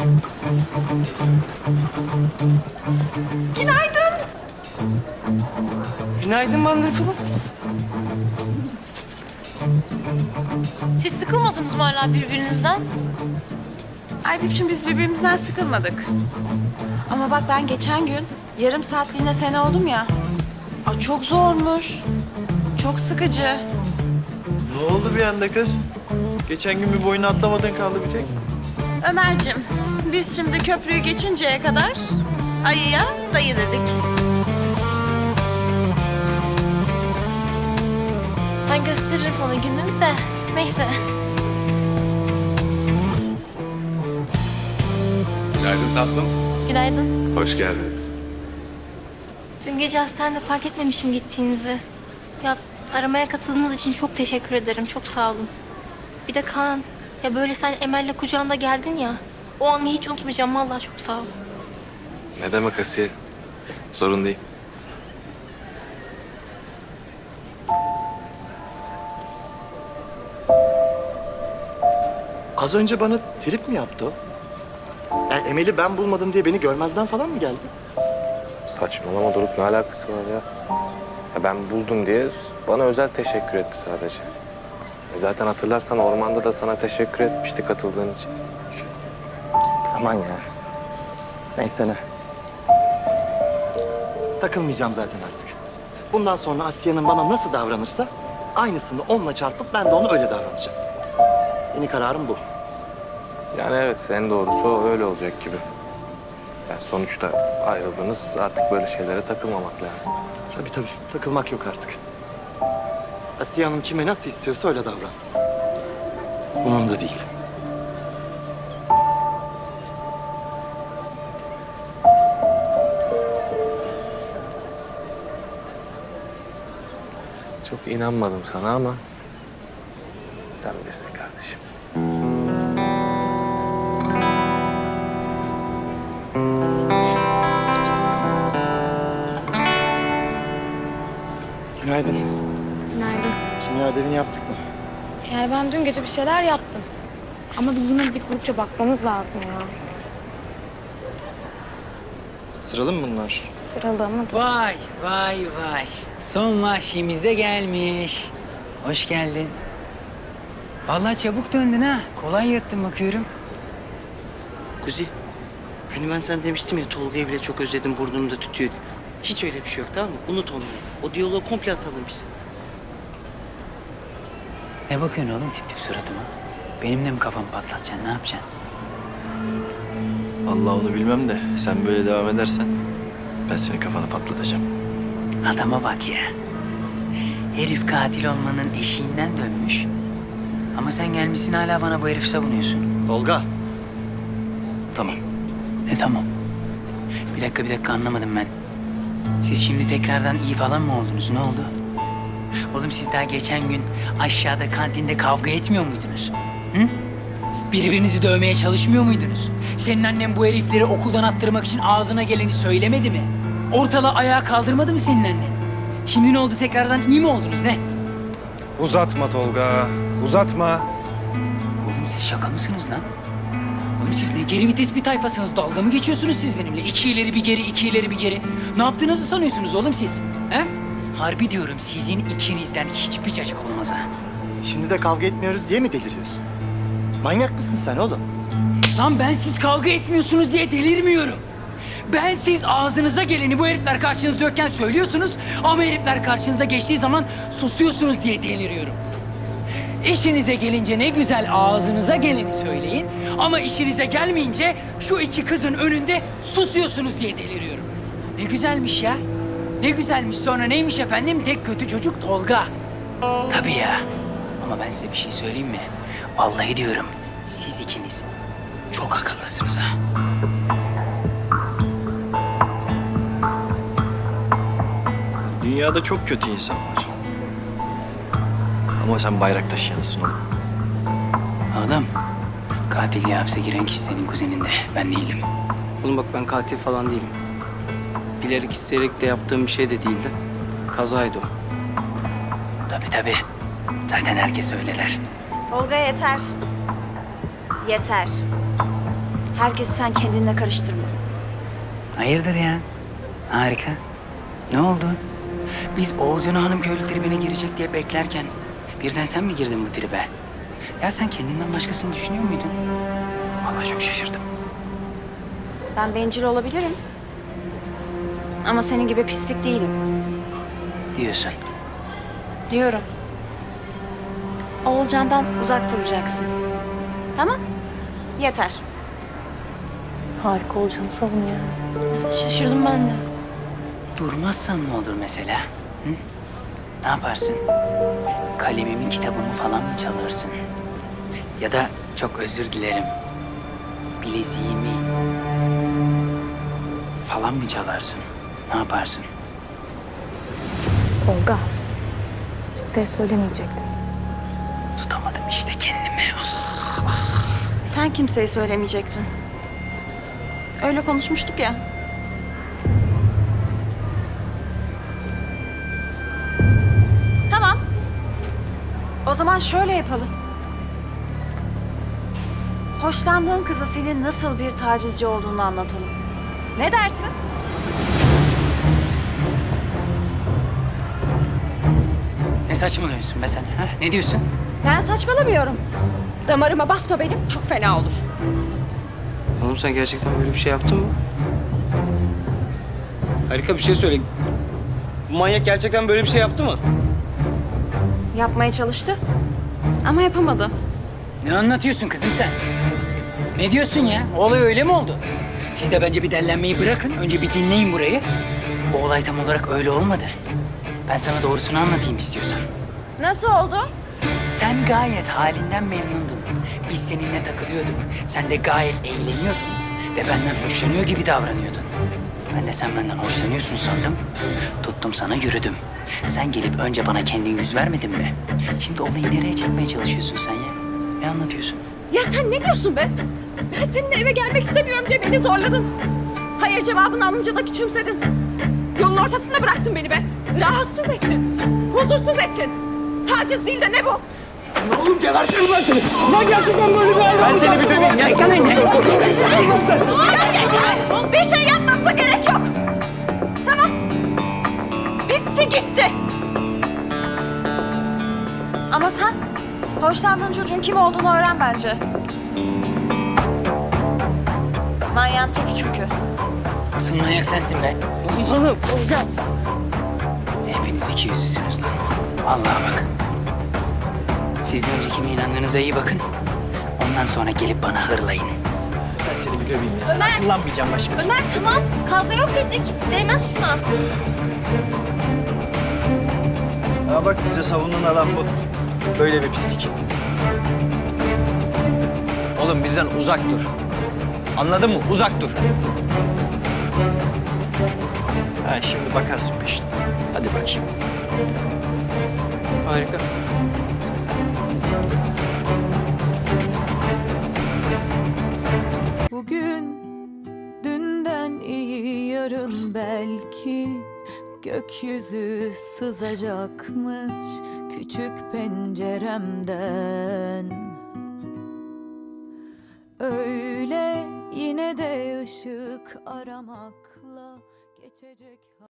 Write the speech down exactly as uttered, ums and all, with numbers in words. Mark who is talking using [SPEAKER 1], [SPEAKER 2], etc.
[SPEAKER 1] Günaydın.
[SPEAKER 2] Günaydın Wonderful'um.
[SPEAKER 3] Siz sıkılmadınız mı hala birbirinizden?
[SPEAKER 1] Aybük'cüğüm biz birbirimizden sıkılmadık. Ama bak ben geçen gün yarım saatliğine sen oldum ya. Aa, çok zormuş. Çok sıkıcı.
[SPEAKER 4] Ne oldu bir anda kız? Geçen gün bir boyunu atlamadın kaldı bir tek.
[SPEAKER 1] Ömer'cim biz şimdi köprüyü geçinceye kadar ayıya dayı dedik.
[SPEAKER 3] Ben gösteririm sana gününü de. Neyse.
[SPEAKER 5] Günaydın tatlım.
[SPEAKER 3] Günaydın.
[SPEAKER 5] Hoş geldiniz.
[SPEAKER 3] Dün gece hastanede fark etmemişim gittiğinizi. Ya aramaya katıldığınız için çok teşekkür ederim. Çok sağ olun. Bir de Kaan. Ya böyle sen Emel'le kucağında geldin ya. O anı hiç unutmayacağım. Vallahi çok sağ ol.
[SPEAKER 5] Ne demek Asiye? Sorun değil.
[SPEAKER 6] Az önce bana trip mi yaptı o? Yani Emel'i ben bulmadım diye beni görmezden falan mı geldi?
[SPEAKER 5] Saçmalama Doruk, ne alakası var ya? Ya ben buldum diye bana özel teşekkür etti sadece. E zaten hatırlarsan ormanda da sana teşekkür etmişti katıldığın için.
[SPEAKER 6] Aman ya. Neyse ne. Takılmayacağım zaten artık. Bundan sonra Asya'nın bana nasıl davranırsa aynısını onunla çarpıp ben de ona öyle davranacağım. Yeni kararım bu.
[SPEAKER 5] Yani evet, en doğrusu o öyle olacak gibi. Yani sonuçta ayrıldınız, artık böyle şeylere takılmamak lazım.
[SPEAKER 6] Tabii tabii. Takılmak yok artık. Asiye Hanım kime nasıl istiyorsa öyle davransın. Umurumda değil.
[SPEAKER 5] Çok inanmadım sana ama sen bilirsin kardeşim.
[SPEAKER 6] Günaydın.
[SPEAKER 7] Günaydın.
[SPEAKER 6] Kimya ödevini yaptık mı?
[SPEAKER 7] Yani ben dün gece bir şeyler yaptım. Ama bir yine bir grupça bakmamız lazım ya.
[SPEAKER 6] Sıralı mı bunlar?
[SPEAKER 7] Sıralı ama
[SPEAKER 8] Vay vay vay. Son vahşimiz de gelmiş. Hoş geldin. Vallahi çabuk döndün ha. Kolay yattın bakıyorum.
[SPEAKER 2] Kuzi, hani ben sana demiştim ya Tolga'yı bile çok özledim, burnunu da tütüyordu. Hiç öyle bir şey yok, tamam mı? Unut onları. O diyaloğu komple atalım biz.
[SPEAKER 8] Ne bakıyorsun oğlum tip tip suratıma? Benimle mi kafamı patlatacaksın? Ne yapacaksın?
[SPEAKER 4] Vallahi onu bilmem de sen böyle devam edersen ben senin kafanı patlatacağım.
[SPEAKER 8] Adama bak ya. Herif katil olmanın eşiğinden dönmüş. Ama sen gelmişsin hala bana bu herifi savunuyorsun.
[SPEAKER 6] Tolga. Tamam.
[SPEAKER 8] Ne tamam? Bir dakika bir dakika anlamadım ben. Siz şimdi tekrardan iyi falan mı oldunuz? Ne oldu? Oğlum siz daha geçen gün aşağıda kantinde kavga etmiyor muydunuz? Hı? Birbirinizi dövmeye çalışmıyor muydunuz? Senin annen bu herifleri okuldan attırmak için ağzına geleni söylemedi mi? Ortalığı ayağa kaldırmadı mı senin annen? Şimdi ne oldu tekrardan iyi mi oldunuz ne?
[SPEAKER 9] Uzatma Tolga, uzatma.
[SPEAKER 8] Oğlum siz şaka mısınız lan? Oğlum siz ne geri vites bir tayfasınız? Dalga mı geçiyorsunuz siz benimle? İki ileri bir geri, iki ileri bir geri. Ne yaptığınızı sanıyorsunuz oğlum siz? He? Harbi diyorum sizin ikinizden hiçbir cacık olmaz ha.
[SPEAKER 6] Şimdi de kavga etmiyoruz diye mi deliriyorsun? Manyak mısın sen oğlum?
[SPEAKER 8] Lan ben siz kavga etmiyorsunuz diye delirmiyorum. Ben siz ağzınıza geleni bu herifler karşınızda yokken söylüyorsunuz ama herifler karşınıza geçtiği zaman susuyorsunuz diye deliriyorum. İşinize gelince ne güzel ağzınıza geleni söyleyin ama işinize gelmeyince şu iki kızın önünde susuyorsunuz diye deliriyorum. Ne güzelmiş ya. Ne güzelmiş. Sonra neymiş efendim? Tek kötü çocuk Tolga. Tabii ya. Ama ben size bir şey söyleyeyim mi? Vallahi diyorum siz ikiniz çok akıllısınız ha.
[SPEAKER 4] Dünyada çok kötü insan var. Ama sen bayrak taşıyanısın oğlum.
[SPEAKER 8] Oğlum, katilliğe hapse giren kişi senin kuzenin de. Ben değildim.
[SPEAKER 2] Oğlum bak ben katil falan değilim. Bilerek isteyerek de yaptığım bir şey de değildi. Kazaydı o.
[SPEAKER 8] Tabii tabii. Zaten herkes öyle der.
[SPEAKER 1] Tolga yeter. Yeter. Herkesi sen kendinle karıştırma.
[SPEAKER 8] Hayırdır ya? Harika. Ne oldu? Biz Oğuzcan Hanım köylü tribine girecek diye beklerken birden sen mi girdin bu tribe? Ya sen kendinden başkasını düşünüyor muydun? Vallahi çok şaşırdım.
[SPEAKER 1] Ben bencil olabilirim. Ama senin gibi pislik değilim.
[SPEAKER 8] Diyorsun.
[SPEAKER 1] Diyorum. Oğulcan'dan uzak duracaksın. Tamam? Yeter.
[SPEAKER 7] Harika olacağını savunuyor.
[SPEAKER 3] Şaşırdım ben de.
[SPEAKER 8] Durmazsan ne olur mesela? Hı? Ne yaparsın? Kalemimin kitabımı falan mı çalarsın? Ya da çok özür dilerim. Bileziğimi falan mı çalarsın? Ne yaparsın?
[SPEAKER 7] Tolga. Kimseye söylemeyecektim.
[SPEAKER 8] Tutamadım işte kendimi. Ah.
[SPEAKER 1] Sen kimseye söylemeyecektin. Öyle konuşmuştuk ya. Tamam. O zaman şöyle yapalım. Hoşlandığın kıza senin nasıl bir tacizci olduğunu anlatalım. Ne dersin?
[SPEAKER 8] Ne saçmalıyorsun be sen? Ha? Ne diyorsun?
[SPEAKER 1] Ben saçmalamıyorum. Damarıma basma benim, çok fena olur.
[SPEAKER 2] Oğlum sen gerçekten böyle bir şey yaptın mı? Harika bir şey söyle. Bu manyak gerçekten böyle bir şey yaptı mı?
[SPEAKER 1] Yapmaya çalıştı ama yapamadı.
[SPEAKER 8] Ne anlatıyorsun kızım sen? Ne diyorsun ya? Olay öyle mi oldu? Siz de bence bir dellenmeyi bırakın. Önce bir dinleyin burayı. Bu olay tam olarak öyle olmadı. Ben sana doğrusunu anlatayım istiyorsan.
[SPEAKER 1] Nasıl oldu?
[SPEAKER 8] Sen gayet halinden memnundun. Biz seninle takılıyorduk. Sen de gayet eğleniyordun. Ve benden hoşlanıyor gibi davranıyordun. Ben de sen benden hoşlanıyorsun sandım. Tuttum sana yürüdüm. Sen gelip önce bana kendin yüz vermedin mi? Şimdi olayı nereye çekmeye çalışıyorsun sen ya? Ne anlatıyorsun?
[SPEAKER 1] Ya sen ne diyorsun be? Ben seninle eve gelmek istemiyorum diye beni zorladın. Hayır cevabını alınca da küçümsedin. Yolun ortasında bıraktın beni be. Rahatsız ettin. Huzursuz ettin. Taciz değil de ne bu?
[SPEAKER 4] Ben seni bir döveyim ya.
[SPEAKER 1] Ya yeter! Bir şey yapmanıza gerek yok. Tamam. Bitti gitti. Ama sen hoşlandığın çocuğun kim olduğunu öğren bence. Manyağın teki çünkü.
[SPEAKER 8] Asıl manyak sensin be.
[SPEAKER 2] Oğlum.
[SPEAKER 8] Hepiniz iki yüzlüsünüz lan. Vallahi bak. Siz de önce kime inandığınıza iyi bakın. Ondan sonra gelip bana hırlayın.
[SPEAKER 4] Ben seni bir döveyim ya. Sana kullanmayacağım başka.
[SPEAKER 3] Ömer tamam. Kavga yok dedik. Değmez şuna.
[SPEAKER 4] Ha bak bize savunan adam bu. Böyle bir pislik. Oğlum bizden uzak dur. Anladın mı? Uzak dur. Ha şimdi bakarsın peşine. Hadi bakayım.
[SPEAKER 2] Harika.
[SPEAKER 10] Bugün dünden iyi yarın belki gökyüzü sızacakmış küçük penceremden. Öyle yine de ışık aramakla geçecek.